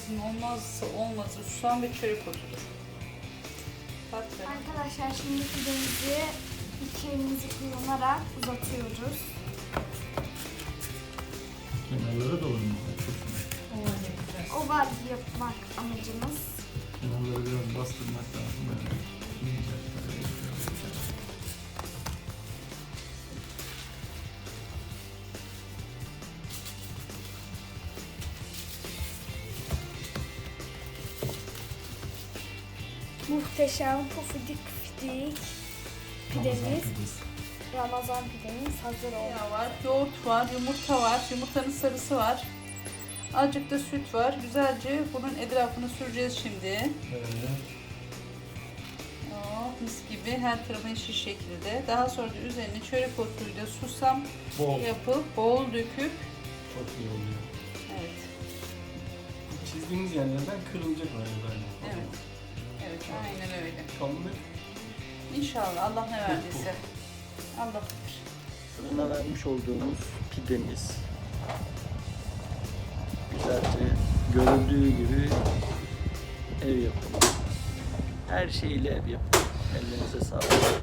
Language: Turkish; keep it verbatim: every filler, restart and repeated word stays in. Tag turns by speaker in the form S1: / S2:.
S1: pidemizin olmazsa olmazı susam ve çörek otudur.
S2: Arkadaşlar şimdi pidemizi iki elimizi kullanarak uzatıyoruz.
S3: Kenarlara dolanıyor.
S2: Oval yapmak amacımız.
S3: Kenarları biraz bastırmak lazım. Böyle ince, böyle şöyle.
S2: Muhteşem pufidik fidik pidemiz, Ramazan pidemiz hazır oldu.
S1: Yağ var, yoğurt var, yumurta var, yumurtanın sarısı var. Azıcık da süt var. Güzelce bunun etrafını süreceğiz şimdi.
S3: Evet.
S1: Oh, mis gibi her tarafı eşit şekilde. Daha sonra da üzerine çörek otuyla susam
S3: Bol.
S1: yapıp bol döküp.
S3: Çok iyi oluyor.
S1: Evet.
S3: Çizdiğiniz yerlerden kırılacak böyle böyle.
S1: Evet. Evet, aynen öyle.
S3: Kalınlık.
S1: İnşallah Allah ne verdiyse. Allah bilir.
S3: Fırına vermiş olduğumuz pidemiz güzelce görüldüğü gibi ev yapımı. Her şeyle ev yapımı. Ellerinize sağlık.